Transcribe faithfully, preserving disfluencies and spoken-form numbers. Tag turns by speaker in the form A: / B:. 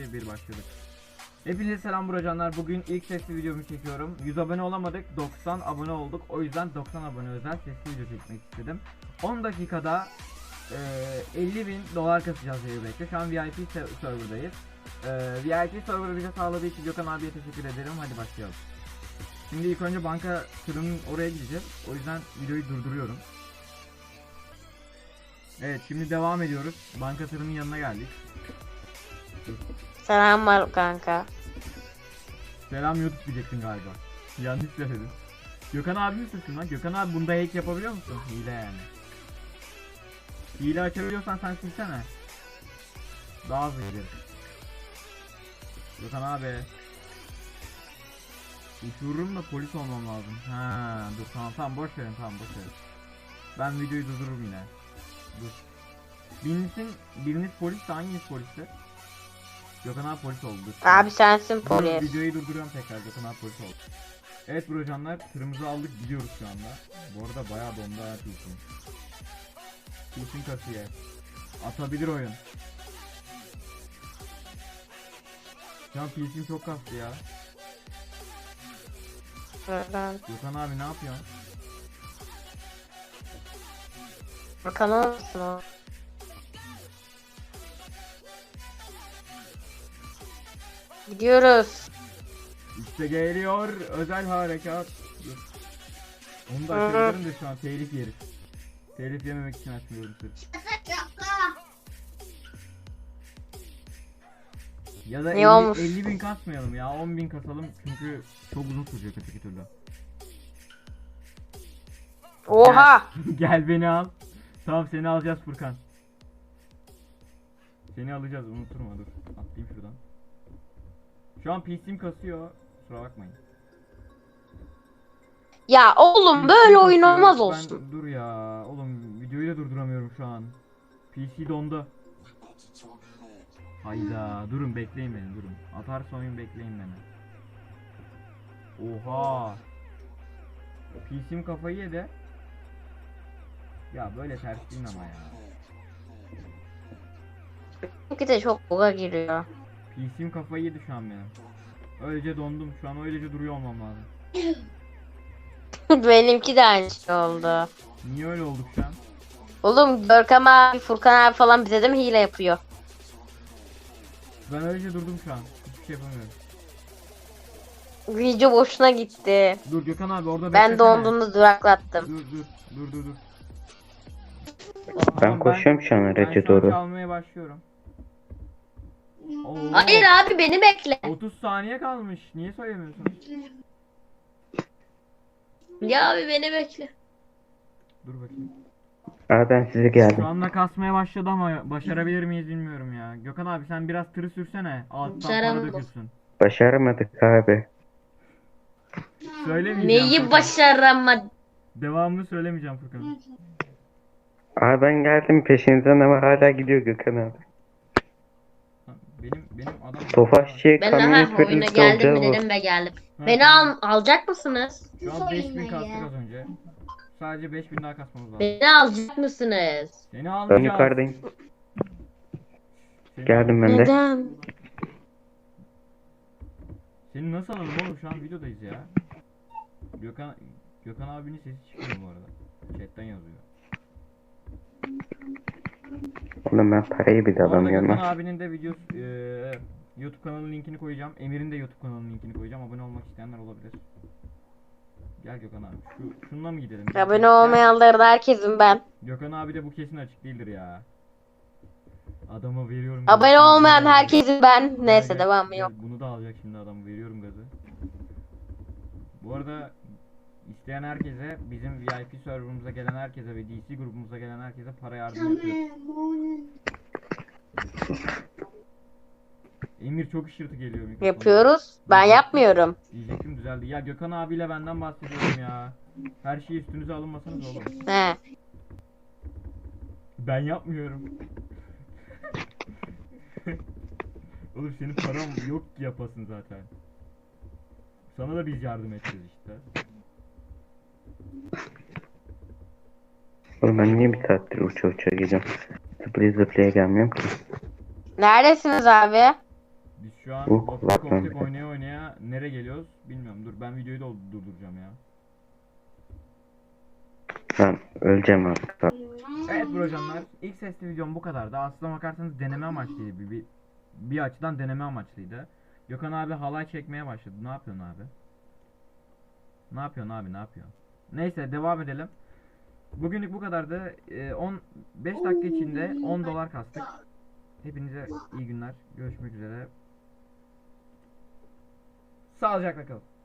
A: iki bir başladık. Hepinize selam buracanlar. Bugün ilk sesli videomu çekiyorum. yüz abone olamadık, doksan abone olduk. O yüzden doksan abone özel sesli video çekmek istedim. on dakikada e, elli bin dolar kasacağız Zeybek'te. Şu an V I P serverdayız. E, V I P server'ı bize sağladığı için Gökhan abiye teşekkür ederim. Hadi başlayalım. Şimdi ilk önce banka tırının oraya gideceğiz. O yüzden videoyu durduruyorum. Evet, şimdi devam ediyoruz. Banka tırının yanına geldik.
B: Selam var kanka.
A: Selam YouTube diyeceksin galiba. Yanlış söyledim. Gökhan abi misin lan? Gökhan abi bunda hack yapabiliyor musun? Hile yani. Hile açabiliyorsan sen silsene. Daha hızlı gidelim. Gökhan abi. Uçururum da polis olmam lazım. Ha, dur tamam tamam boş verin tamam boş verin. Ben videoyu durdururum yine. Dur. Birinizin, biriniz polis de hanginiz poliste? Gökhan abi polis oldu.
B: Abi sensin
A: Dur,
B: polis.
A: videoyu durduruyorum tekrar. Gökhan abi polis oldu. Evet brocanlar, tırımızı aldık gidiyoruz şu anda. Bu arada bayağı dondu ha Pilsin. Pilsin kasıya. Atabilir oyun. Şu an Pilsin çok kastı ya.
B: Buradan.
A: Gökhan abi ne yapıyorsun?
B: Bakan olmasın o. Gidiyoruz.
A: İşte geliyor özel harekat. Dur. Onu da açabilirim de şu an telif yeriz. Telif yememek için açmıyorum sırf. Ya da
B: Ne olmuş?
A: elli bin kasmayalım ya, on bin kasalım çünkü çok uzun sürecek öteki türlü.
B: Oha!
A: Gel, gel beni al. Tamam seni alacağız Furkan. Seni alacağız, unuturma, dur. Atlayayım şuradan. Şu an P C'm kasıyor. Kusura bakmayın.
B: Ya oğlum
A: P C
B: böyle oyun
A: kasıyor.
B: olmaz
A: Ben-
B: olsun.
A: Dur ya oğlum, videoyu da durduramıyorum şu an. P C dondu. Hayda, durun bekleyin beni, durun. Atarsa oyun bekleyin beni. Oha. P C'm kafayı yedi. Ya böyle ters değil ama ya.
B: Çünkü de çok buga giriyor.
A: P C'm kafayı yedi şu an benim. Öylece dondum, şu an öylece duruyor olmam lazım.
B: Benimki de aynı şey oldu.
A: Niye öyle olduk şu an?
B: Oğlum Görkem abi, Furkan abi falan bize de mi hile yapıyor?
A: Ben öylece durdum şu an. Hiçbir şey yapamıyorum.
B: Video boşuna gitti.
A: Dur Gökhan abi orada
B: Ben
A: beklesene.
B: donduğunda duraklattım.
A: Dur dur dur dur dur.
C: Ben
A: Tamam,
C: koşuyorum şu an
A: ben
C: araca
A: şu an
C: doğru.
A: çalmaya başlıyorum. Oo,
B: Hayır abi beni bekle.
A: otuz saniye kalmış. Niye söylemiyorsun?
B: Ya abi beni bekle.
A: Dur bakayım.
C: Aa ben size
A: Şu
C: geldim.
A: anda kasmaya başladı ama başarabilir miyiz bilmiyorum ya. Gökhan abi sen biraz tırı sürsene. Alttan para
B: Başaramadım.
A: dökülsün.
C: Başaramadık abi.
A: Söylemeyeceğim.
B: Neyi
A: Furkan.
B: başaramadım?
A: Devamını söylemeyeceğim Furkan.
C: Aa ben geldim peşinizden ama hala gidiyor Gökhan abi.
A: Benim benim adam.
C: Tofaşçı
B: Ben
C: kamyonet
B: aha oyuna
C: veririz
B: geldim mi
C: olacağız
B: dedim ve geldim.
A: Ha,
B: Beni
A: tamam.
B: al alacak mısınız?
A: Şu an beş bin kastık az önce. Sadece beş bin daha kasmamız lazım.
B: Beni alacak mısınız?
A: Seni
C: Ben
A: almayacağız.
C: yukarıdayım.
A: Seni
C: Geldim ben de.
B: Neden?
A: Seni nasıl alalım oğlum, şu an videodayız ya. Gökhan Gökhan abinin sesi çıkmıyor bu arada. Chatten yazıyor.
C: Oğlum ben parayı bile
A: Bu arada
C: alamıyorum
A: Gökhan
C: ha.
A: abinin de video eee, YouTube kanalının linkini koyacağım. Emir'in de YouTube kanalının linkini koyacağım. Abone olmak isteyenler olabilir. Gel Gökhan abi. Şu şununla mı gidelim? Gel,
B: Abone
A: gel.
B: olmayanları da herkesim ben.
A: Gökhan abi de bu kesin açık değildir ya. Adama veriyorum.
B: Abone
A: gazı.
B: olmayan
A: Bunu da alacak.
B: herkesim ben.
A: Gel,
B: Neyse
A: gel,
B: devamı
A: gel.
B: yok.
A: Bunu da alacak şimdi adam. Veriyorum gazı. Bu arada isteyen herkese, bizim V I P serverımıza gelen herkese ve D C grubumuza gelen herkese para yardım yapıyoruz. Emir çok ışırtı geliyor mikrofona.
B: Yapıyoruz. Ben yapmıyorum.
A: Diyecektim düzeldi. Ya Gökhan abiyle benden bahsediyorum ya. Her şeyi üstünüze alınmasanız oğlum.
B: He.
A: Ben yapmıyorum. Oğlum senin param yok ki yapasın zaten. Sana da biz yardım edeceğiz işte.
C: Oğlum ben niye bir saattir uça uça gidiyorum. Zıplaya zıplaya gelmiyorum ki.
B: Neredesiniz abi?
A: Biz şu an
C: Uh,
A: Walking
C: Lapland.
A: Koptek oynaya oynaya nereye geliyoruz bilmiyorum. Dur ben videoyu da durduracağım ya.
C: Ben öleceğim artık.
A: Evet brocanlar, ilk sesli videom bu kadardı. Aslına bakarsanız deneme amaçlıydı. Bir, bir, bir açıdan deneme amaçlıydı. Gökhan abi halay çekmeye başladı. Ne yapıyorsun abi? Ne yapıyorsun abi, ne yapıyorsun? Neyse devam edelim. Bugünlük bu kadardı. Ee, on beş dakika içinde on dolar kastık. Hepinize iyi günler. Görüşmek üzere. Sağlıcakla kalın.